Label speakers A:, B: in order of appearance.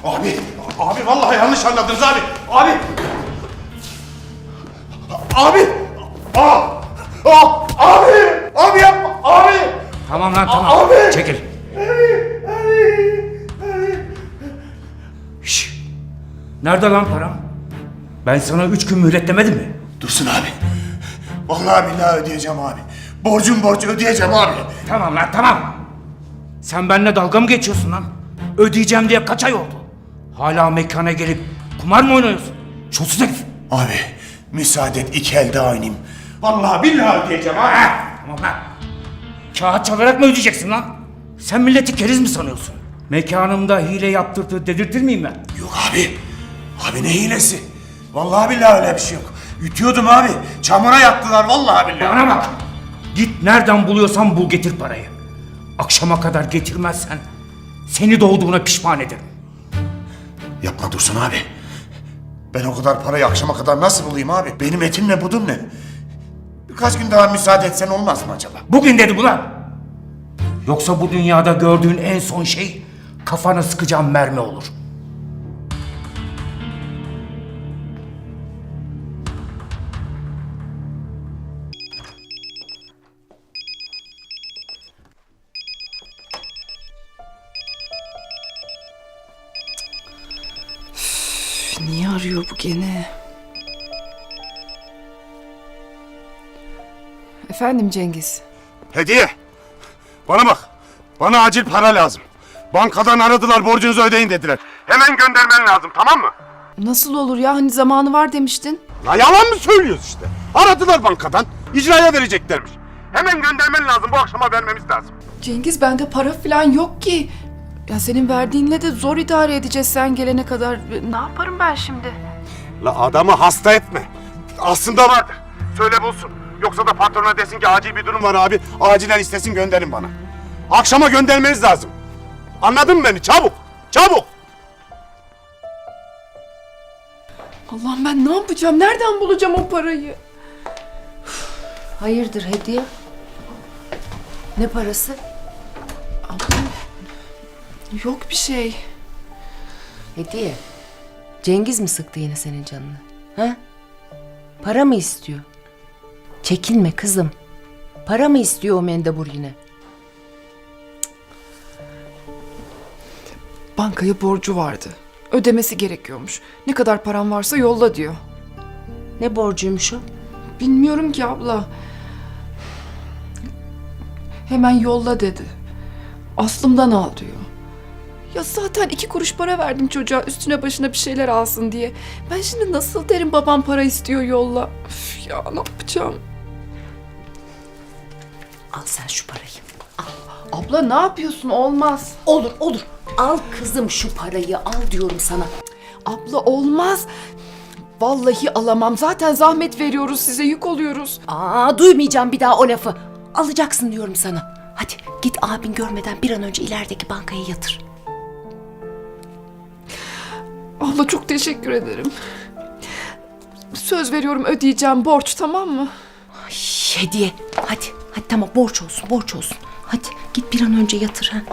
A: Abi vallahi yanlış anladınız abi. Abi yapma abi.
B: Tamam lan tamam.
A: Abi!
B: Çekil. Şşş. Nerede lan param? Ben sana 3 gün mühlet demedim mi?
A: Dursun abi. Vallahi billahi ödeyeceğim abi. Borcu ödeyeceğim abi.
B: Tamam lan tamam. Sen benimle dalga mı geçiyorsun lan? Ödeyeceğim diye kaç ay oldu? Hala mekana gelip kumar mı oynuyorsun? Çulsuz herif.
A: Abi müsaade et, 2 elde oynayayım. Vallahi billahi ödeyeceğim abi.
B: Tamam lan. Kağıt çalarak mı ödeyeceksin lan? Sen milleti keriz mi sanıyorsun? Mekanımda hile yaptırdı dedirtir miyim ben?
A: Yok abi. Abi ne hilesi? Vallahi billahi öyle bir şey yok. Ütüyordum abi. Çamura yattılar vallahi billahi.
B: Bana bak. Git nereden buluyorsan bul getir parayı. Akşama kadar getirmezsen seni doğduğuna pişman ederim.
A: Yapma Dursun abi. Ben o kadar parayı akşama kadar nasıl bulayım abi? Benim etim ne budum ne? Birkaç gün daha müsaade etsen olmaz mı acaba?
B: Bugün dedim ulan. Yoksa bu dünyada gördüğün en son şey kafana sıkacağım mermi olur.
C: Niye arıyor bu gene? Efendim Cengiz.
A: Hediye! Bana bak. Bana acil para lazım. Bankadan aradılar, borcunuzu ödeyin dediler. Hemen göndermen lazım, tamam mı?
C: Nasıl olur ya? Hani zamanı var demiştin.
A: La yalan mı söylüyoruz işte? Aradılar bankadan, icraya vereceklermiş. Hemen göndermen lazım, bu akşama vermemiz lazım.
C: Cengiz bende para falan yok ki. Ya senin verdiğinle de zor idare edeceğiz sen gelene kadar. Ne yaparım ben şimdi?
A: La adamı hasta etme. Aslında vardır. Söyle bulsun. Yoksa da patrona desin ki acil bir durum var abi. Acilen istesin gönderin bana. Akşama göndermeniz lazım. Anladın mı beni? Çabuk! Çabuk!
C: Allah'ım ben ne yapacağım? Nereden bulacağım o parayı?
D: Hayırdır hediye? Ne parası?
C: Yok bir şey.
D: Hediye. Cengiz mi sıktı yine senin canını? Ha? Para mı istiyor? Çekinme kızım. Para mı istiyor o mendebur yine?
C: Bankaya borcu vardı. Ödemesi gerekiyormuş. Ne kadar param varsa yolla diyor.
D: Ne borcuymuş o?
C: Bilmiyorum ki abla. Hemen yolla dedi. Aslımdan al diyor. Ya zaten 2 kuruş para verdim çocuğa üstüne başına bir şeyler alsın diye. Ben şimdi nasıl derim babam para istiyor yolla. Üf ya ne yapacağım?
D: Al sen şu parayı.
C: Abla ne yapıyorsun olmaz.
D: Olur olur. Al kızım şu parayı al diyorum sana.
C: Abla olmaz. Vallahi alamam. Zaten zahmet veriyoruz size yük oluyoruz.
D: Duymayacağım bir daha o lafı. Alacaksın diyorum sana. Hadi git abin görmeden bir an önce ilerideki bankaya yatır.
C: Abla çok teşekkür ederim. Söz veriyorum ödeyeceğim borç tamam mı?
D: Hediye. Hadi tamam borç olsun. Hadi git bir an önce yatır ha.